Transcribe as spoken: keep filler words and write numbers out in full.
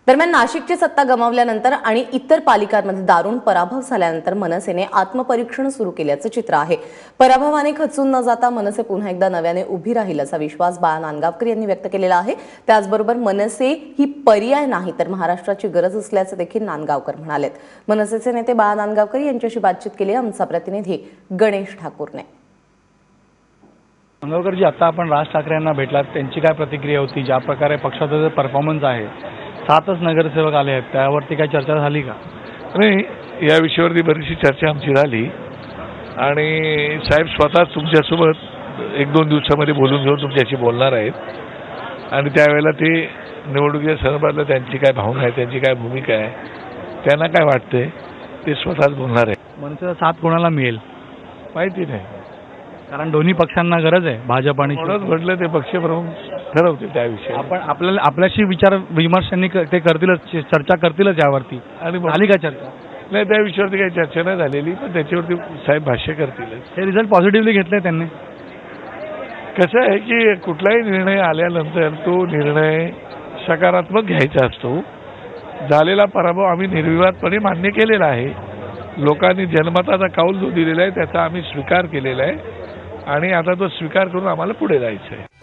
दरम्यान नाशिकची सत्ता गमावल्यानंतर आणि इतर पालिकांमध्ये दारुण पराभव झाल्यानंतर मनसेने आत्मपरीक्षण सुरू केल्याचं चित्र आहे। पराभवाने खचून न जाता मनसे पुन्हा एकदा नव्याने उभी राहील असा विश्वास बाळा नांदगावकर यांनी व्यक्त केलेला आहे। त्याचबरोबर मनसे ही पर्याय नाही तर महाराष्ट्राची गरज असल्याचं देखील नांदगावकर म्हणालेत। मनसेचे नेते बाळा नांदगावकर यांच्याशी बातचीत केली आमचा प्रतिनिधी गणेश ठाकूरने। नांदगावकरजी, आता आपण राज ठाकरे यांना भेटलात, त्यांची काय प्रतिक्रिया होती? ज्या प्रकारे पक्षाचा जो परफॉर्मन्स आहे, सातच नगरसेवक आले आहेत, त्यावरती काय चर्चा झाली का? नाही, या विषयावरती बरीचशी चर्चा आमची झाली आणि साहेब स्वतःच तुमच्यासोबत एक दोन दिवसामध्ये बोलून घेऊन तुमच्याशी बोलणार आहेत आणि त्यावेळेला ते निवडणुकीच्या संदर्भातलं त्यांची काय भावना आहे, त्यांची काय भूमिका आहे, त्यांना काय वाटते ते स्वतःच बोलणार आहे। मनसेचा साथ कोणाला मिळेल माहिती नाही, कारण दोन्ही पक्षांना गरज आहे, भाजप आणि कोणाच म्हटलं ते पक्षप्रमुख ठरवते त्याविषयी। आपण आपल्याला आपल्याशी विचार विमर्शांनी ते करतीलच, चर्चा करतीलच यावरती। आणि झाली का चर्चा? नाही, त्या विषयावरती काही चर्चा नाही झालेली, पण त्याच्यावरती साहेब भाष्य करतीलच। हे रिझल्ट पॉझिटिव्हली घेतले त्यांनी? कसं आहे की कुठलाही निर्णय आल्यानंतर तो निर्णय सकारात्मक घ्यायचा असतो। झालेला पराभव आम्ही निर्विवादपणे मान्य केलेला आहे। लोकांनी जनमताचा कौल जो दिलेला आहे त्याचा आम्ही स्वीकार केलेला आहे आणि आता तो स्वीकार करून आम्हाला पुढे जायचं आहे।